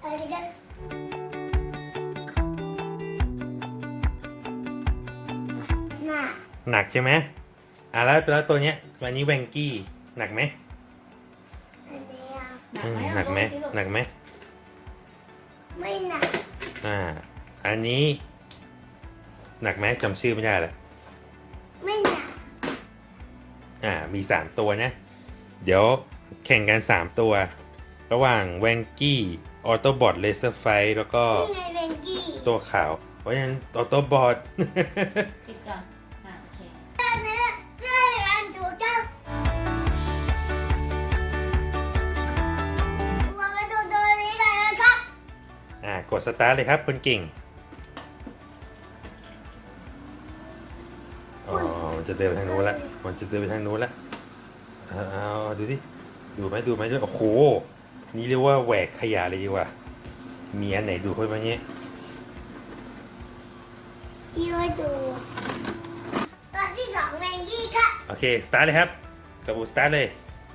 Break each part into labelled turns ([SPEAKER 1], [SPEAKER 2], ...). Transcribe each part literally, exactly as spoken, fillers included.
[SPEAKER 1] อะไรกันหนัก
[SPEAKER 2] หนักใช่ไหมอ่ะแล้วแล้วตัวเนี้ยวันนี้แวงกี้หนักไหม
[SPEAKER 1] อันนี้อ่ะ
[SPEAKER 3] หนัก
[SPEAKER 2] อืม
[SPEAKER 3] ไหม
[SPEAKER 2] หนักไหมหนักไหม
[SPEAKER 1] ไม่หนัก
[SPEAKER 2] อ่าอันนี้หนักไหมจำชื่อไม่ได้ละ
[SPEAKER 1] ไม่หนัก
[SPEAKER 2] อ่ามีสามตัวนะเดี๋ยวแข่งกันสามตัว ระหว่างแวงกี้ออโตบอทเลเซอร์ไฟแล้วก็
[SPEAKER 1] นี่ไงเบงกี้
[SPEAKER 2] ตัวขาวเพราะฉะนั้นออโตบอท
[SPEAKER 3] ปิดก่อนอ่ะโอเค
[SPEAKER 1] อันนี้เรื่อยอันถูกต้องเราไปดูตัวนี้กันนะครับ
[SPEAKER 2] อ่ากดสตาร์ทเลยครับคนเก่งอ๋อมันจะเดินไปทางนู้นละมันจะเดินไปทางนู้นละเอาเอาดูดิดูไหมดูไหมด้วยโอ้โหนี่เรียกว่าแหวกขยะเลยดีกว่ามีอันไหนดูค่อยมาเนี้ย
[SPEAKER 1] พี่ว่าดูตัวที่สองเบงกี้ครับ
[SPEAKER 2] โอเคสตาร์ทเลยครับกระบุสตาร์ทเลย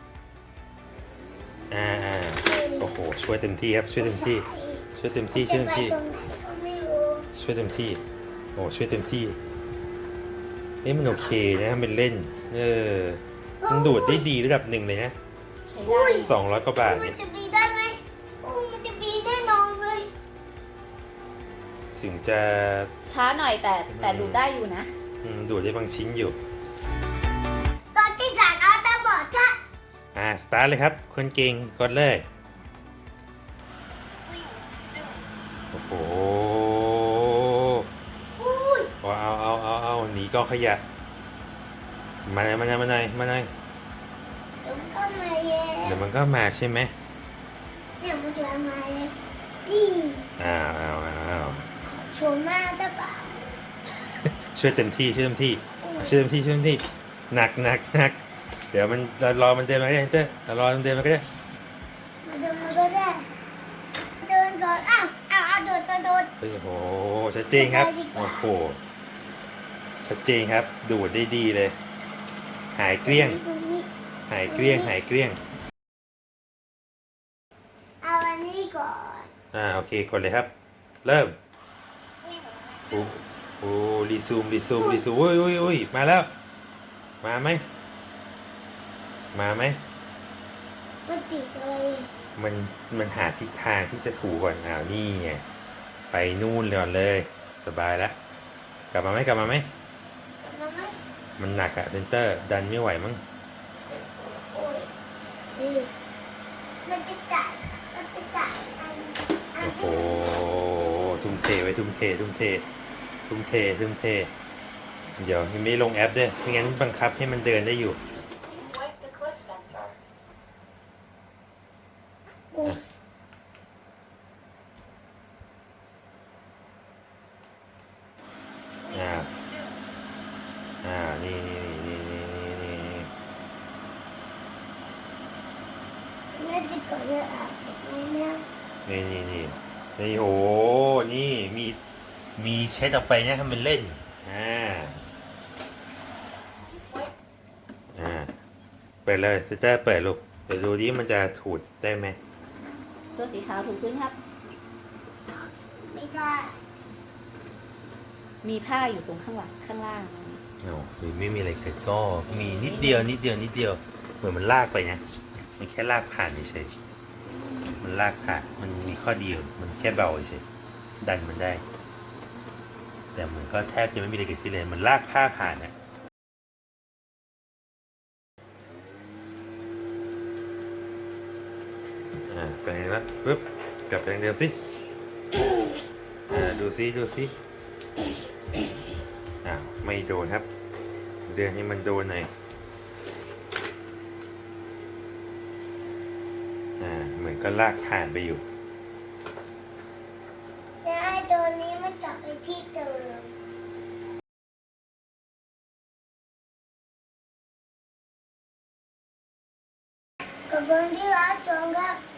[SPEAKER 2] อ่าอ่าโอ้โหช่วยเต็มที่ครับช่วยเต็มที่ช่วยเต็มที่ช่วยเต็มที่
[SPEAKER 1] จะไปตรงไหนก็ไม่รู้
[SPEAKER 2] ช่วยเต็มที่โอ้ช่วยเต็มที่เอ้มันโอเคนะมันเล่นเออมันดูดได้ดีระดับหนึ่งเลยนะ
[SPEAKER 3] ใช้ได้
[SPEAKER 2] สองร้อยกว่าบาท
[SPEAKER 1] มั
[SPEAKER 2] เนี่
[SPEAKER 1] น
[SPEAKER 2] ย
[SPEAKER 1] จะบีได้ไหมโอ้มันจะบีแน่นอนเลย
[SPEAKER 2] ถึงจะ
[SPEAKER 3] ช้าหน่อยแต่แต่ดูได้อยู่นะ
[SPEAKER 2] อืมดูดได้บางชิ้นอยู่
[SPEAKER 1] ตัวที่สามเอาตาบอดครับ
[SPEAKER 2] อ่าสตาร์ทเลยครับคนเก่งกดเลยโอ้โห
[SPEAKER 1] อุ้ย
[SPEAKER 2] เอาเอาเอาเอาเอาหนีกองขยะมาไหนอยมาไหนอยมาไหนอยมาไหนอย
[SPEAKER 1] เดี๋ยวมันก็มาเย่
[SPEAKER 2] เดี๋ยวมันก็มาใช่ไหม
[SPEAKER 1] เนี่ยมันจะมาเย่นี่
[SPEAKER 2] อ้าวอ้าวอ้าว
[SPEAKER 1] โชว์หน้าตาบอด
[SPEAKER 2] ช่วยเต็มที่ช่วยเต็มที่ช่วยเต็มที่ช่วยเต็มที่หนักหนักหนักเดี๋ยวมันเรารอมันเดินมาก็ได้เต้เรารอมันเดินมาก็ได้
[SPEAKER 1] มันจะมาก็ได้เดินก่อนอ้าวอ้าวอ้าวโดดโดดโดด
[SPEAKER 2] เฮ้ยโอ้โหชัดเจนครับโอ้โหชัดเจนครับดูดได้ดีเลย หายเกลี้ยง
[SPEAKER 1] ตรงนี้
[SPEAKER 2] หายเกลี้ยงหายเกลี้ยง
[SPEAKER 1] เอาอันนี้ก่อน
[SPEAKER 2] อ่าโอเคกดเลยครับ เริ่มโอ้โอ้รีซูมรีซูมรีซูมอุ้ยอุ้ยอุ้ยมาแล้ว มาไหมมาไหม
[SPEAKER 1] มันติดเลย
[SPEAKER 2] มันมันหาทิศทางที่จะถูก่อนอ้าวนี่ไงไปนู่นเลยก่อนเลย สบายแล้วกลับมาไหมกลับมาไหม
[SPEAKER 1] มันไม่
[SPEAKER 2] มันหนักอะเซนเตอร์ดันไม่ไหวมั้ง
[SPEAKER 1] โอ้ยเออมันจะจ่ายมันจะจ่ายอันอัน
[SPEAKER 2] โอ้โห
[SPEAKER 1] ที่
[SPEAKER 2] ทุ่มเทไว้ทุ่มเททุ่มเททุ่มเททุ่มเทเดี๋ยวยังไม่ลงแอปด้วยไม่งั้นบังคับให้มันเดินได้อยู่
[SPEAKER 4] Please wipe the cliff sensor.
[SPEAKER 1] โอ้ย
[SPEAKER 2] อ่าอ่านี่นี่นี่นี่นี่นี่
[SPEAKER 1] น่าจะก่อนจะอ่านเสร็จไหมเนี่ย
[SPEAKER 2] นี่นี่นี่นี่โอ้นี่มีมีเช็ดออกไปนะทำเป็นเล่นอ่า
[SPEAKER 4] Please wipe
[SPEAKER 2] อ่าเปิดเลยเซนเตอร์เปิดลูกเดี๋ยวดูดิมันจะถูดได้ไหม
[SPEAKER 3] ตัวสีขาวถูกพื้นครับ
[SPEAKER 1] ไม่ได้
[SPEAKER 3] มีผ้าอยู่ตรงข้างหลังข้างล่าง
[SPEAKER 2] โอ้หรือไม่มีอะไรเกิดก็มีนิดเดียวนิดเดียวนิดเดียวเหมือนมันลากไปนะมันแค่ลากผ่านเฉยๆมันลากผ่านมันมีข้อดีอยู่มันแค่เบาเฉยๆดันมันได้ แต่มันก็แทบจะไม่มีอะไรเกิดขึ้นเลยมันลากผ้าผ่านนะอ่าไปไหนวะปึ๊บกลับไปทางเดิมสิอ่าดูซิดูซิอ้าวไม่โดนครับ เดินให้มันโดนหน่อยอ่าเหมือนก็ลากผ่านไปอยู่
[SPEAKER 1] แล้วไอ้ตัวนี้มันกลับไปที่เดิมขอบคุณที่รับชมครับ